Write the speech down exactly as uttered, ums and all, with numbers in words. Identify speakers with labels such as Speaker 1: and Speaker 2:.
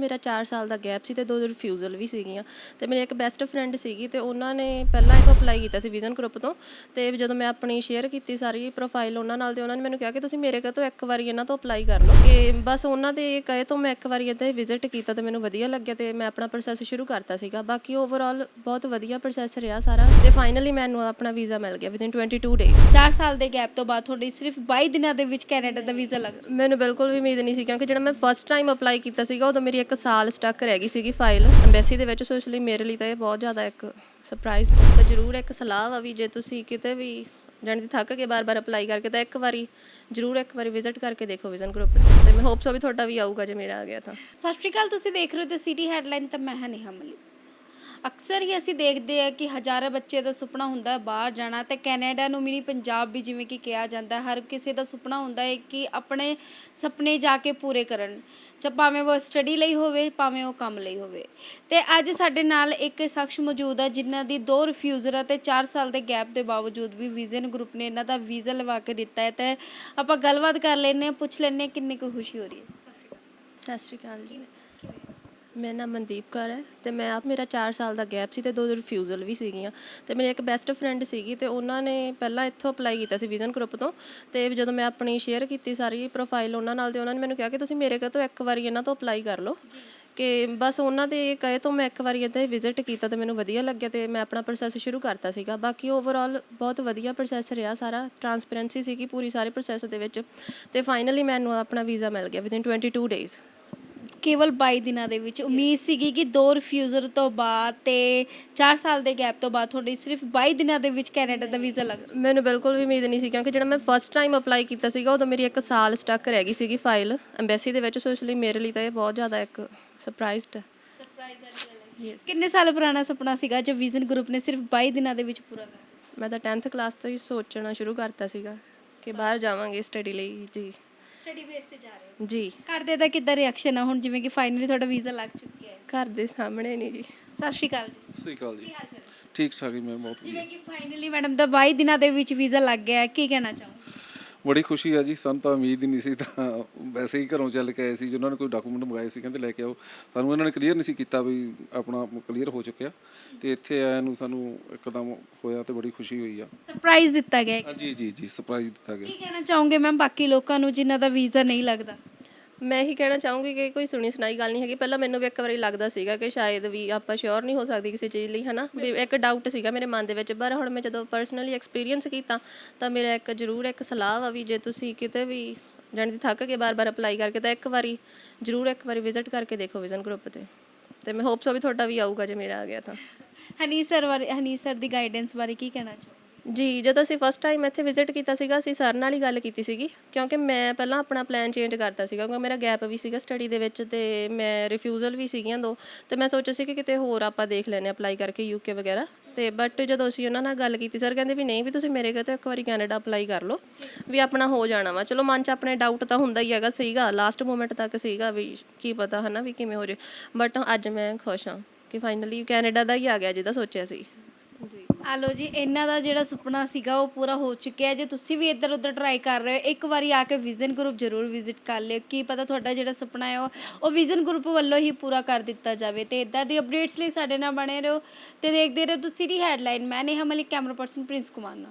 Speaker 1: ਮੇਰਾ ਚਾਰ ਸਾਲ ਦਾ ਗੈਪ ਸੀ ਤੇ ਦੋ ਰਿਫਿਊਜ਼ਲ ਵੀ ਸੀਗੀਆਂ ਤੇ ਮੇਰੀ ਇੱਕ ਬੈਸਟ ਫਰੈਂਡ ਸੀਗੀ ਤੇ ਉਹਨਾਂ ਨੇ ਪਹਿਲਾਂ ਇੱਕ ਅਪਲਾਈ ਕੀਤਾ ਸੀ ਵਿਜ਼ਨ ਗਰੁੱਪ ਤੋਂ। ਤੇ ਜਦੋਂ ਮੈਂ ਆਪਣੀ ਸ਼ੇਅਰ ਕੀਤੀ ਸਾਰੀ ਪ੍ਰੋਫਾਈਲ ਉਹਨਾਂ ਨਾਲ, ਤੇ ਉਹਨਾਂ ਨੇ ਮੈਨੂੰ ਕਿਹਾ ਕਿ ਤੁਸੀਂ ਮੇਰੇ ਕੋਲ ਤੋਂ ਇੱਕ ਵਾਰੀ ਇਹਨਾਂ ਤੋਂ ਅਪਲਾਈ ਕਰ ਲਓ। ਕਿ ਬਸ ਉਹਨਾਂ ਦੇ ਕਹੇ ਤੋਂ ਮੈਂ ਇੱਕ ਵਾਰੀ ਇੱਦਾਂ ਵਿਜ਼ਿਟ ਕੀਤਾ ਤੇ ਮੈਨੂੰ ਵਧੀਆ ਲੱਗਿਆ ਤੇ ਮੈਂ ਆਪਣਾ ਪ੍ਰੋਸੈਸ ਸ਼ੁਰੂ ਕਰਤਾ ਸੀਗਾ। ਬਾਕੀ ਓਵਰਆਲ ਬਹੁਤ ਵਧੀਆ ਪ੍ਰੋਸੈਸ ਰਿਹਾ ਸਾਰਾ ਤੇ ਫਾਈਨਲੀ ਮੈਨੂੰ ਆਪਣਾ ਵੀਜ਼ਾ ਮਿਲ ਗਿਆ ਵਿਦਿਨ ਟਵੈਂਟੀ ਟੂ ਡੇਜ਼।
Speaker 2: ਚਾਰ ਸਾਲ ਦੇ ਗੈਪ ਤੋਂ ਬਾਅਦ ਤੁਹਾਡੀ ਸਿਰਫ ਬਾਈ ਦਿਨਾਂ ਦੇ ਵਿੱਚ ਕੈਨੇਡਾ ਦਾ ਵੀਜ਼ਾ ਲੱਗ ਗਿਆ।
Speaker 1: ਮੈਨੂੰ ਬਿਲਕੁਲ ਵੀ ਉਮੀਦ ਨਹੀਂ ਸੀ, ਕਿਉਂਕਿ ਜਿਹੜਾ ਮੈਂ ਫਸਟ ਟਾਈਮ ਅਪਲਾਈ ਕੀਤਾ ਸੀਗਾ ਉਦੋਂ ਮੇਰੀ ਇੱਕ ਸਾਲ ਸਟਕ ਰਹਿ ਗਈ ਸੀਗੀ ਫਾਈਲ ਐਮਬੈਸੀ ਦੇ ਵਿੱਚ। ਸੋ ਇਸ ਲਈ ਮੇਰੇ ਲਈ ਤਾਂ ਇਹ ਬਹੁਤ ਜ਼ਿਆਦਾ ਇੱਕ ਸਰਪ੍ਰਾਈਜ਼ ਤਾਂ ਜ਼ਰੂਰ ਇੱਕ ਸਲਾਹ ਵਾ ਵੀ ਜੇ ਤੁਸੀਂ ਕਿਤੇ ਵੀ ਜਾਣੀ ਦੀ ਥੱਕ ਕੇ ਬਾਰ-ਬਾਰ ਅਪਲਾਈ ਕਰਕੇ ਤਾਂ ਇੱਕ ਵਾਰੀ ਜ਼ਰੂਰ ਇੱਕ ਵਾਰੀ ਵਿਜ਼ਿਟ ਕਰਕੇ ਦੇਖੋ ਵਿਜ਼ਨ ਗਰੁੱਪ ਤੇ ਮੈਂ ਹੋਪ ਸੋ ਵੀ ਤੁਹਾਡਾ ਵੀ ਆਊਗਾ ਜੇ ਮੇਰਾ ਆ ਗਿਆ ਤਾਂ।
Speaker 2: ਸਤਿ ਸ਼੍ਰੀ ਅਕਾਲ, ਤੁਸੀਂ ਦੇਖ ਰਹੇ ਹੋ ਤੇ ਸਿਟੀ ਹੈਡਲਾਈਨ ਤਾਂ ਮੈਂ ਹਾਂ ਨੇਹਾ ਮਲਿਕ। ਅਕਸਰ ਹੀ ਅਸੀਂ ਦੇਖਦੇ ਆ ਕਿ ਹਜ਼ਾਰਾਂ ਬੱਚੇ ਦਾ ਸੁਪਨਾ ਹੁੰਦਾ ਹੈ ਬਾਹਰ ਜਾਣਾ ਤੇ ਕੈਨੇਡਾ ਨੂੰ ਮਿਨੀ ਪੰਜਾਬ ਵੀ ਜਿਵੇਂ ਕਿ ਕਿਹਾ ਜਾਂਦਾ, ਹਰ ਕਿਸੇ ਦਾ ਸੁਪਨਾ ਹੁੰਦਾ ਹੈ ਕਿ ਆਪਣੇ ਸੁਪਨੇ ਜਾ ਕੇ ਪੂਰੇ ਕਰਨ, ਚਾਹੇ ਭਾਵੇਂ ਉਹ ਸਟੱਡੀ ਲਈ ਹੋਵੇ ਭਾਵੇਂ ਉਹ ਕੰਮ ਲਈ ਹੋਵੇ। ਤੇ ਅੱਜ ਸਾਡੇ ਨਾਲ ਇੱਕ ਸ਼ਖਸ ਮੌਜੂਦ ਹੈ ਜਿਨ੍ਹਾਂ ਦੀ ਦੋ ਰਿਫਿਊਜ਼ਲ ਅਤੇ ਚਾਰ ਸਾਲ ਦੇ ਗੈਪ ਦੇ ਬਾਵਜੂਦ ਵੀ ਵਿਜ਼ਨ ਗਰੁੱਪ ਨੇ ਇਹਨਾਂ ਦਾ ਵੀਜ਼ਾ ਲਵਾ ਕੇ ਦਿੱਤਾ ਹੈ। ਤੇ ਆਪਾਂ ਗੱਲਬਾਤ ਕਰ ਲੈਂਦੇ ਹਾਂ, ਪੁੱਛ ਲੈਂਦੇ ਹਾਂ ਕਿੰਨੀ ਕੁ ਖੁਸ਼ੀ ਹੋ ਰਹੀ ਹੈ।
Speaker 1: ਸਤਿ ਸ਼੍ਰੀ ਅਕਾਲ ਜੀ, ਮੇਰਾ ਨਾਮ ਮਨਦੀਪ ਕੌਰ ਹੈ ਤੇ ਮੈਂ ਆਪ ਮੇਰਾ ਚਾਰ ਸਾਲ ਦਾ ਗੈਪ ਸੀ ਤੇ ਦੋ ਰਿਫਿਊਜ਼ਲ ਵੀ ਸੀਗੀਆਂ ਤੇ ਮੇਰੀ ਇੱਕ ਬੈਸਟ ਫਰੈਂਡ ਸੀਗੀ ਤੇ ਉਹਨਾਂ ਨੇ ਪਹਿਲਾਂ ਇੱਥੋਂ ਅਪਲਾਈ ਕੀਤਾ ਸੀ ਵਿਜ਼ਨ ਗਰੁੱਪ ਤੋਂ। ਤੇ ਜਦੋਂ ਮੈਂ ਆਪਣੀ ਸ਼ੇਅਰ ਕੀਤੀ ਸਾਰੀ ਪ੍ਰੋਫਾਈਲ ਉਹਨਾਂ ਨਾਲ, ਤੇ ਉਹਨਾਂ ਨੇ ਮੈਨੂੰ ਕਿਹਾ ਕਿ ਤੁਸੀਂ ਮੇਰੇ ਕੋਲ ਤੋਂ ਇੱਕ ਵਾਰੀ ਇਹਨਾਂ ਤੋਂ ਅਪਲਾਈ ਕਰ ਲਓ। ਕਿ ਬਸ ਉਹਨਾਂ ਦੇ ਕਹੇ ਤੋਂ ਮੈਂ ਇੱਕ ਵਾਰੀ ਇੱਦਾਂ ਵਿਜ਼ਿਟ ਕੀਤਾ ਤੇ ਮੈਨੂੰ ਵਧੀਆ ਲੱਗਿਆ ਤੇ ਮੈਂ ਆਪਣਾ ਪ੍ਰੋਸੈਸ ਸ਼ੁਰੂ ਕਰਤਾ ਸੀਗਾ। ਬਾਕੀ ਓਵਰਆਲ ਬਹੁਤ ਵਧੀਆ ਪ੍ਰੋਸੈਸ ਰਿਹਾ ਸਾਰਾ, ਟਰਾਂਸਪੇਰੈਂਸੀ ਸੀਗੀ ਪੂਰੀ ਸਾਰੇ ਪ੍ਰੋਸੈਸ ਦੇ ਵਿੱਚ ਤੇ ਫਾਈਨਲੀ ਮੈਨੂੰ ਆਪਣਾ ਵੀਜ਼ਾ ਮਿਲ ਗਿਆ ਵਿਦਿਨ ਟਵੈਂਟੀ ਟੂ ਡੇਜ਼।
Speaker 2: ਕੇਵਲ ਬਾਈ ਦਿਨਾਂ ਦੇ ਵਿੱਚ। ਉਮੀਦ ਸੀਗੀ ਕਿ ਦੋ ਰਿਫਿਊਜ਼ਲ ਤੋਂ ਬਾਅਦ ਤੇ ਚਾਰ ਸਾਲ ਦੇ ਗੈਪ ਤੋਂ ਬਾਅਦ ਤੁਹਾਡੀ ਸਿਰਫ ਬਾਈ ਦਿਨਾਂ ਦੇ ਵਿੱਚ ਕੈਨੇਡਾ ਦਾ ਵੀਜ਼ਾ ਲੱਗ ਗਿਆ।
Speaker 1: ਮੈਨੂੰ ਬਿਲਕੁਲ ਵੀ ਉਮੀਦ ਨਹੀਂ ਸੀ, ਕਿਉਂਕਿ ਜਿਹੜਾ ਮੈਂ ਫਸਟ ਟਾਈਮ ਅਪਲਾਈ ਕੀਤਾ ਸੀਗਾ ਉਦੋਂ ਮੇਰੀ ਇੱਕ ਸਾਲ ਸਟਕ ਰਹਿ ਗਈ ਸੀਗੀ ਫਾਈਲ ਐਮਬੈਸੀ ਦੇ ਵਿੱਚ। ਸੋ ਇਸ ਲਈ ਮੇਰੇ ਲਈ ਤਾਂ ਇਹ ਬਹੁਤ ਜ਼ਿਆਦਾ ਇੱਕ ਸਰਪ੍ਰਾਈਜ਼ਡ
Speaker 2: ਸਰਪ੍ਰਾਈਜ਼। ਕਿੰਨੇ ਸਾਲ ਪੁਰਾਣਾ ਸੁਪਨਾ ਸੀਗਾ ਜੋ ਵਿਜ਼ਨ ਗਰੁੱਪ ਨੇ ਸਿਰਫ ਬਾਈ ਦਿਨਾਂ ਦੇ ਵਿੱਚ ਪੂਰਾ ਕਰ?
Speaker 1: ਮੈਂ ਤਾਂ ਟੈਂਥ ਕਲਾਸ ਤੋਂ ਹੀ ਸੋਚਣਾ ਸ਼ੁਰੂ ਕਰਤਾ ਸੀਗਾ ਕਿ ਬਾਹਰ ਜਾਵਾਂਗੇ ਸਟੱਡੀ ਲਈ। ਜੀ
Speaker 2: ਸਟੱਡੀ ਬੇਸ ਤੇ ਜਾ ਰਹੇ ਹੋ
Speaker 1: ਜੀ।
Speaker 2: ਘਰਦੇ ਦਾ ਕਿੱਦਾਂ ਰਿਐਕਸ਼ਨ ਆ ਹੁਣ ਜਿਵੇਂ ਕਿ ਫਾਈਨਲੀ ਤੁਹਾਡਾ ਵੀਜ਼ਾ ਲੱਗ ਚੁੱਕਿਆ ਹੈ?
Speaker 1: ਘਰ ਦੇ ਸਾਹਮਣੇ ਨਹੀਂ ਜੀ।
Speaker 2: ਸਤਿ ਸ਼੍ਰੀ ਅਕਾਲ ਜੀ।
Speaker 3: ਸਤਿ ਸ਼੍ਰੀ ਅਕਾਲ ਜੀ।
Speaker 2: ਕੀ ਹਾਲ ਚਾਲ?
Speaker 3: ਠੀਕ ਠਾਕ ਜੀ, ਮੈਂ ਬਹੁਤ ਵਧੀਆ।
Speaker 2: ਜਿਵੇਂ ਕਿ ਫਾਈਨਲੀ ਮੈਡਮ ਦਾ ਬਾਈ ਦਿਨਾਂ ਦੇ ਵਿੱਚ ਵੀਜ਼ਾ ਲੱਗ ਗਿਆ ਹੈ, ਕੀ ਕਹਿਣਾ ਚਾਹੋਗੇ?
Speaker 3: ਬੜੀ ਖੁਸ਼ੀ ਆ ਜੀ, ਸਾਨੂੰ ਤਾਂ ਉਮੀਦ ਹੀ ਨਹੀਂ ਸੀ। ਤਾਂ ਵੈਸੇ ਹੀ ਘਰੋਂ ਚੱਲ ਕੇ ਆਏ ਸੀ, ਜਿਨ੍ਹਾਂ ਨੇ ਕੋਈ ਡਾਕੂਮੈਂਟ ਮੰਗਾਏ ਸੀ ਕਹਿੰਦੇ ਲੈ ਕੇ ਆਓ। ਸਾਨੂੰ ਇਹਨਾਂ ਨੇ ਕਲੀਅਰ ਨਹੀਂ ਸੀ ਕੀਤਾ ਵੀ ਆਪਣਾ ਕਲੀਅਰ ਹੋ ਚੁੱਕਿਆ ਤੇ ਇੱਥੇ ਆਇਆ ਨੂੰ ਸਾਨੂੰ ਇੱਕਦਮ ਹੋਇਆ ਤੇ ਬੜੀ ਖੁਸ਼ੀ ਹੋਈ ਆ।
Speaker 2: ਸਰਪ੍ਰਾਈਜ਼ ਦਿੱਤਾ ਗਿਆ ਹੈ।
Speaker 3: ਜੀ ਜੀ ਜੀ ਸਰਪ੍ਰਾਈਜ਼ ਦਿੱਤਾ ਗਿਆ।
Speaker 2: ਕੀ ਕਹਿਣਾ ਚਾਹੋਗੇ ਮੈਮ ਬਾਕੀ ਲੋਕਾਂ ਨੂੰ ਜਿਨ੍ਹਾਂ ਦਾ ਵੀਜ਼ਾ ਨਹੀਂ ਲੱਗਦਾ?
Speaker 1: ਮੈਂ ਇਹੀ ਕਹਿਣਾ ਚਾਹੂੰਗੀ ਕਿ ਕੋਈ ਸੁਣੀ ਸੁਣਾਈ ਗੱਲ ਨਹੀਂ ਹੈਗੀ। ਪਹਿਲਾਂ ਮੈਨੂੰ ਵੀ ਇੱਕ ਵਾਰੀ ਲੱਗਦਾ ਸੀਗਾ ਕਿ ਸ਼ਾਇਦ ਵੀ ਆਪਾਂ ਸ਼ੋਰ ਨਹੀਂ ਹੋ ਸਕਦੀ ਕਿਸੇ ਚੀਜ਼ ਲਈ, ਹੈ ਨਾ, ਵੀ ਇੱਕ ਡਾਊਟ ਸੀਗਾ ਮੇਰੇ ਮਨ ਦੇ ਵਿੱਚ। ਪਰ ਹੁਣ ਮੈਂ ਜਦੋਂ ਪਰਸਨਲੀ ਐਕਸਪੀਰੀਅੰਸ ਕੀਤਾ ਤਾਂ ਮੇਰਾ ਇੱਕ ਜ਼ਰੂਰ ਇੱਕ ਸਲਾਹ ਵਾ ਵੀ ਜੇ ਤੁਸੀਂ ਕਿਤੇ ਵੀ ਜਾਣੀ ਦੀ ਥੱਕ ਕੇ ਬਾਰ-ਬਾਰ ਅਪਲਾਈ ਕਰਕੇ ਤਾਂ ਇੱਕ ਵਾਰੀ ਜ਼ਰੂਰ ਇੱਕ ਵਾਰੀ ਵਿਜ਼ਿਟ ਕਰਕੇ ਦੇਖੋ ਵਿਜ਼ਨ ਗਰੁੱਪ ਤੇ ਤੇ ਮੈਂ ਹੋਪ ਸੋ ਵੀ ਤੁਹਾਡਾ ਵੀ ਆਊਗਾ ਜੇ ਮੇਰਾ ਆ ਗਿਆ ਤਾਂ।
Speaker 2: ਹਨੀ ਸਰ ਬਾਰੇ, ਹਨੀ ਸਰ ਦੀ ਗਾਈਡੈਂਸ ਬਾਰੇ ਕੀ ਕਹਿਣਾ ਚਾਹੋਗੇ?
Speaker 1: ਜੀ, ਜਦੋਂ ਅਸੀਂ ਫਸਟ ਟਾਈਮ ਇੱਥੇ ਵਿਜ਼ਿਟ ਕੀਤਾ ਸੀਗਾ ਅਸੀਂ ਸਰ ਨਾਲ ਹੀ ਗੱਲ ਕੀਤੀ ਸੀਗੀ, ਕਿਉਂਕਿ ਮੈਂ ਪਹਿਲਾਂ ਆਪਣਾ ਪਲਾਨ ਚੇਂਜ ਕਰਤਾ ਸੀਗਾ ਕਿਉਂਕਿ ਮੇਰਾ ਗੈਪ ਵੀ ਸੀਗਾ ਸਟੱਡੀ ਦੇ ਵਿੱਚ ਤੇ ਮੈਂ ਰਿਫਿਊਜ਼ਲ ਵੀ ਸੀਗੀਆਂ ਦੋ। ਤੇ ਮੈਂ ਸੋਚਿਆ ਸੀ ਕਿ ਕਿਤੇ ਹੋਰ ਆਪਾਂ ਦੇਖ ਲੈਂਦੇ ਅਪਲਾਈ ਕਰਕੇ ਯੂਕੇ ਵਗੈਰਾ। ਤੇ ਬਟ ਜਦੋਂ ਅਸੀਂ ਉਹਨਾਂ ਨਾਲ ਗੱਲ ਕੀਤੀ ਸਰ ਕਹਿੰਦੇ ਵੀ ਨਹੀਂ, ਵੀ ਤੁਸੀਂ ਮੇਰੇ ਕੋਲ ਤਾਂ ਇੱਕ ਵਾਰੀ ਕੈਨੇਡਾ ਅਪਲਾਈ ਕਰ ਲਓ ਵੀ ਆਪਣਾ ਹੋ ਜਾਣਾ ਵਾ। ਚਲੋ ਮਨ 'ਚ ਆਪਣੇ ਡਾਊਟ ਤਾਂ ਹੁੰਦਾ ਹੀ ਹੈਗਾ ਸੀਗਾ, ਲਾਸਟ ਮੂਮੈਂਟ ਤੱਕ ਸੀਗਾ ਵੀ ਕੀ ਪਤਾ ਹੈ ਨਾ ਵੀ ਕਿਵੇਂ ਹੋ ਜੇ। ਬਟ ਅੱਜ ਮੈਂ ਖੁਸ਼ ਹਾਂ ਕਿ ਫਾਈਨਲੀ ਕੈਨੇਡਾ ਦਾ ਹੀ ਆ ਗਿਆ ਜਿਹਦਾ ਸੋਚਿਆ ਸੀ। ਜੀ
Speaker 2: ਆ ਲਓ ਜੀ, ਇਹਨਾਂ ਦਾ ਜਿਹੜਾ ਸੁਪਨਾ ਸੀਗਾ ਉਹ ਪੂਰਾ ਹੋ ਚੁੱਕਿਆ। ਜੇ ਤੁਸੀਂ ਵੀ ਇੱਧਰ ਉੱਧਰ ਟਰਾਈ ਕਰ ਰਹੇ ਹੋ ਇੱਕ ਵਾਰੀ ਆ ਕੇ ਵਿਜ਼ਨ ਗਰੁੱਪ ਜ਼ਰੂਰ ਵਿਜ਼ਿਟ ਕਰ ਲਿਓ। ਕੀ ਪਤਾ ਤੁਹਾਡਾ ਜਿਹੜਾ ਸੁਪਨਾ ਹੈ ਉਹ ਉਹ ਵਿਜ਼ਨ ਗਰੁੱਪ ਵੱਲੋਂ ਹੀ ਪੂਰਾ ਕਰ ਦਿੱਤਾ ਜਾਵੇ। ਤੇ ਇੱਦਾਂ ਦੀ ਅਪਡੇਟਸ ਲਈ ਸਾਡੇ ਨਾਲ ਬਣੇ ਰਹੋ ਤੇ ਦੇਖਦੇ ਰਹੋ ਤੁਸੀਂ ਸਿਟੀ ਹੈਡਲਾਈਨ। ਮੈਂ Neha Malik, camera person Prince Kumar ਨਾਲ।